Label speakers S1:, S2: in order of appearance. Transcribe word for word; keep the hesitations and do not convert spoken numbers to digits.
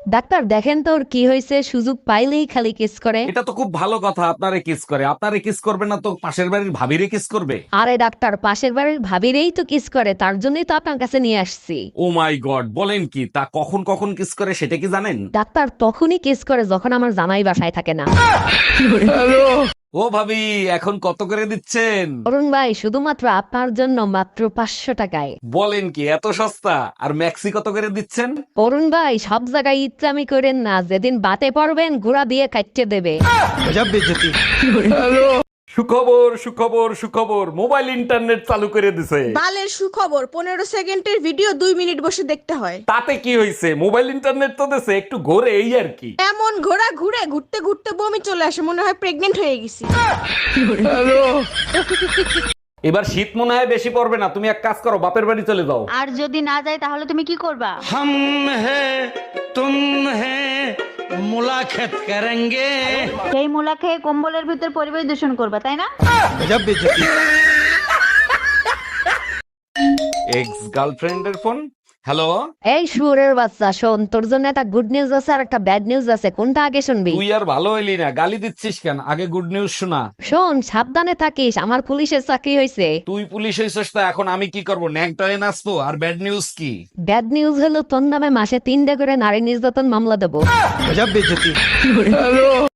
S1: Doctor দেখেন তো ওর কি হয়েছে, সুযোগ পাইলেই খালি কিস করে।
S2: এটা তো খুব ভালো কথা, আপনারে কিস করে। আপনারে কিস করবে না তো পাশের বাড়ির ভাবিরে কিস করবে?
S1: আরে ডাক্তার, পাশের বাড়ির ভাবিরেই তো কিস করে, তার জন্যই তো আপনার কাছে নিয়ে আসছি।
S2: ও মাই গড, বলেন কি? তা কখন কখন কিস করে সেটা কি জানেন?
S1: ডাক্তার তখনই কিস করে যখন আমার জামাই বাসায় থাকে না।
S2: ও ভাবি, এখন কত করে দিচ্ছেন?
S1: অরুণ ভাই, শুধুমাত্র আপনার জন্য মাত্র পাঁচশো টাকায়।
S2: বলেন কি, এত সস্তা? আর ম্যাক্সি কত করে দিচ্ছেন?
S1: অরুণ ভাই, সব জায়গায় ইচ্ছামি করেন না, যেদিন বাতে পড়বেন ঘোড়া দিয়ে কাটতে দেবে।
S2: সুখবর সুখবর সুখবর, মোবাইল ইন্টারনেট চালু করে দিছে।
S3: বালের সুখবর, পনেরো সেকেন্ডের ভিডিও দুই মিনিট বসে দেখতে হয়।
S2: তাতে কি হয়েছে? মোবাইল ইন্টারনেট তো দিছে, একটু ঘোরে এই আর কি।
S3: এমন ঘোড়া ঘুরে ঘুরতে ঘুরতে বমি চলে আসে, মনে হয় প্রেগনেন্ট হয়ে গেছি।
S2: এবার শীত মনে হয় বেশি পড়বে না, তুমি এক কাজ করো, বাপের বাড়ি চলে যাও।
S4: আর যদি না যায় তাহলে তুমি কি করবা?
S5: हम हैं तुम हैं मुलाकात करेंगे।
S4: সেই মুলা খেয়ে কম্বলের ভিতর পরিবেশ দূষণ করবা, তাই না?
S2: এক্স গার্লফ্রেন্ডের ফোন। হ্যালো।
S1: এই শুয়োরের বাচ্চা, শোন, তোর জন্য একটা গুড নিউজ আছে আর একটা ব্যাড নিউজ আছে, কোনটা আগে শুনবি?
S2: তুই আর ভালো হইলি না, গালি দিচ্ছিস কেন? আগে গুড নিউজ শোনা।
S1: শোন, সাবধানে থাকিস, আমার পুলিশের চাকরি হয়েছে।
S2: তুই পুলিশ হইছিস তো এখন আমি কি করবো? ন্যাংটায় নাচবো? আর ব্যাড নিউজ কি?
S1: ব্যাড নিউজ হলো তোর নামে মাসে তিনটা করে নারী নির্যাতন মামলা দেবো।